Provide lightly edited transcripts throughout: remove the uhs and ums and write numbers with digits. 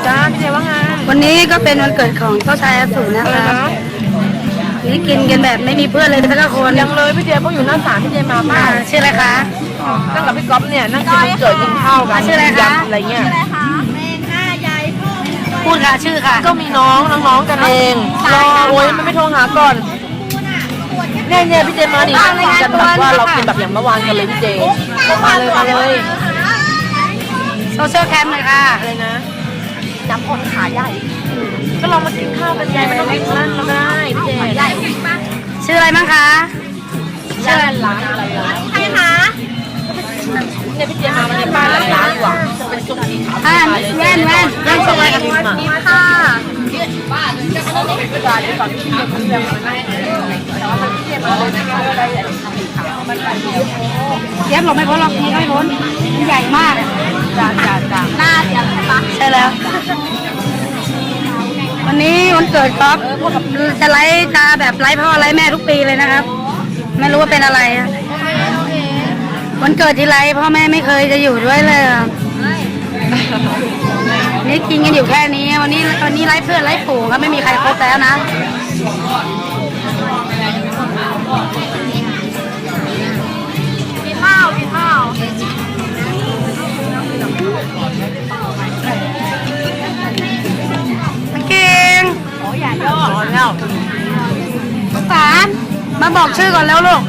จ้าพี่เจว่าไงวันนี้ก็เป็นวันเกิดของเจ้าชายอสูรนะคะนี่กินกันแบบไม่มีเพื่อนเลยสักคนยังเลยพี่เจต้องอยู่หน้าศาลพี่เจมาบ้างชื่ออะไรคะนั่งกับพี่ก๊อฟเนี่ยนั่งกินวันเกิดกินข้าวกันชื่ออะไรคะอะไรเงี้ยพูดค่ะชื่อค่ะก็มีน้องกันเองรอโอ้ยมันไม่โทรหาก่อนเนี่ยพี่เจมาดินั่งกินกันแบบว่าเรากินแบบอย่างเมื่อวานกันเลยพี่เจมาเลยโซเชียลแคมป์เลยค่ะอะไรนะน้ำพลขาใหญ่ก็ลองมากินข้าวกันยายไม่ต้องกินนั่นเราได้พี่เจใหญ่ชื่ออะไรบ้างคะชื่ออะไรร้านอะไรนะใครคะเนี่ยพี่เจมาในบ้านร้านดีกว่าจะเป็นซุปสีขาวแว่นชื่ออะไรคะนี่ค่ะบ้านจะเขาต้องเป็นร้านที่ตอนที่เขาเรียกมันไม่แต่ว่ามันพี่เจมาเลยนะคะอะไรสีขาวมันแบบนี้เย็บหลบไม่พ้นหรอกนี่ไม่พ้นมันใหญ่มากจ้าหน้าเสียงปะใช่แล้ว วันนี้วันเกิดก๊อฟจะไลฟ์ตาแบบไลฟ์พ่อไลฟ์แม่ทุกปีเลยนะครับ ไม่รู้ว่าเป็นอะไรอะวันเกิดที่ไลฟ์พ่อแม่ไม่เคยจะอยู่ด้วยเลยอะนี่กินกันอยู่แค่นี้วันนี้ไลฟ์เพื่อนไลฟ์ฝูงครับไม่มีใครครบแล้วนะกินข้าวเก่งโอ้ยอย่าย่อแล้วสารมาบอกชื่อก่อนแล้วลูก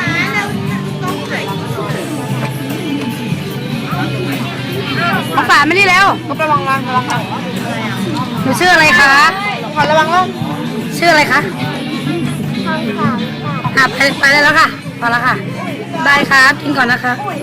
มาฝาไม่ได้แล้วก็ระวังนะหนูชื่ออะไรคะขอระวังล่มชื่ออะไรคะไปได้แล้วค่ะพอแล้วค่ะบายครับกินก่อนนะคะ